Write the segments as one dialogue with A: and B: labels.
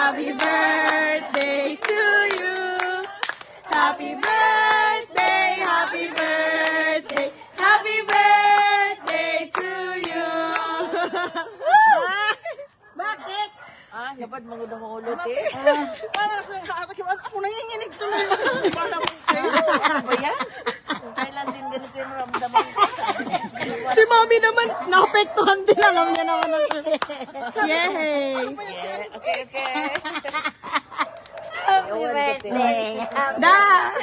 A: Happy birthday to you. Happy birthday, happy birthday, happy birthday to you.
B: Bakit?
C: Dapat mangudong-ulot eh.
B: Ako nanginginig tuloy.
C: Ano ba yan? Kailan din ganito yung ramdaman ko?
A: Si Mommy naman, naapektuhan din. Alam niya naman na siya. Yay!
C: Okay.
B: Happy birthday.
A: Da!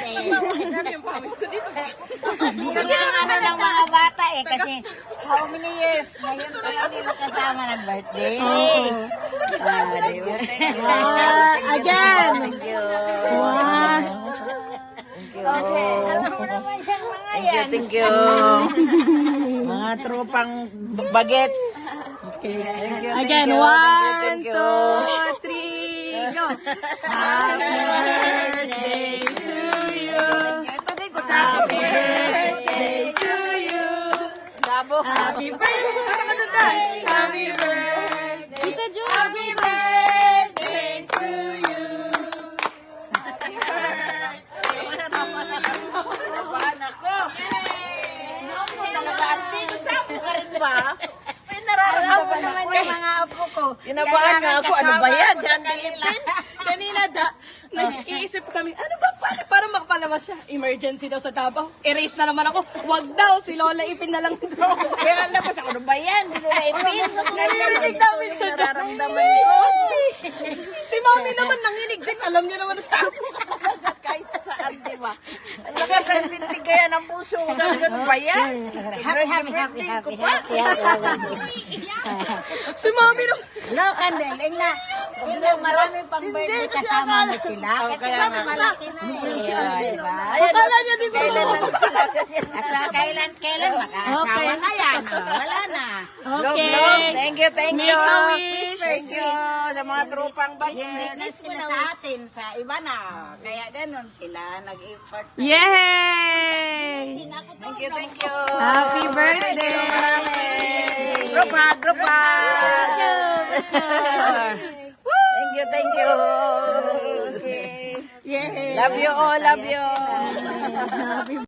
B: Dito lang ano ng mga bata eh. Kasi how many years ngayon pa lang nila kasama ng birthday.
A: Again!
C: Thank you.
A: Wow!
B: Okay. Alam mo naman yan mga yan.
C: Thank you. Mga tropang bagets.
A: Again,
C: Thank
A: 1,
C: you.
A: 2, 3, go! Happy birthday to you! Happy birthday to you!
C: Gabo.
A: Happy birthday! Happy birthday! Happy birthday to you!
C: Anak ko. Talaga, auntie, sabi ka rin ba? May nararamdaman
B: naman
C: ako
B: yung
C: eh.
B: mga apo ko.
C: Kinabahan nga ako. Ano ba yan? Diyan Philippine?
A: Kanina nag-iisip kami, ano ba, paano para makapalabas siya? Emergency daw sa Davao. Erase na naman ako. Wag daw, si Lola Ipin na lang daw.
C: Kaya labas ako. Ano ba yan? Sino na ipin?
A: Narinig namin siya dyan.
C: Nararamdaman ko.
A: Si Mami naman nanginig din. Alam niya naman sa
C: Kahit saan, di ba? Ang lakas ang tindig kaya ng puso ko. Sabi ko, ano ba yan?
B: Happy.
A: Si Mami naman.
B: No, Candel, na. Hindi, marami pang birthday kasama mo sila. Kasi malaki na eh. Diba?
A: Akala niya di ba?
B: At sa kailan makakasawa na yan. Wala na.
A: Okay.
C: Thank you.
A: Make a wish.
C: Thank you sa mga tropang bagets.
B: Business na sa atin, sa iba na. Kaya ganun sila, nag-effort sa
A: Yay!
C: Thank you.
A: Happy birthday!
C: Group hug. Thank you. Okay.
A: Yay!
C: Love you all, love you.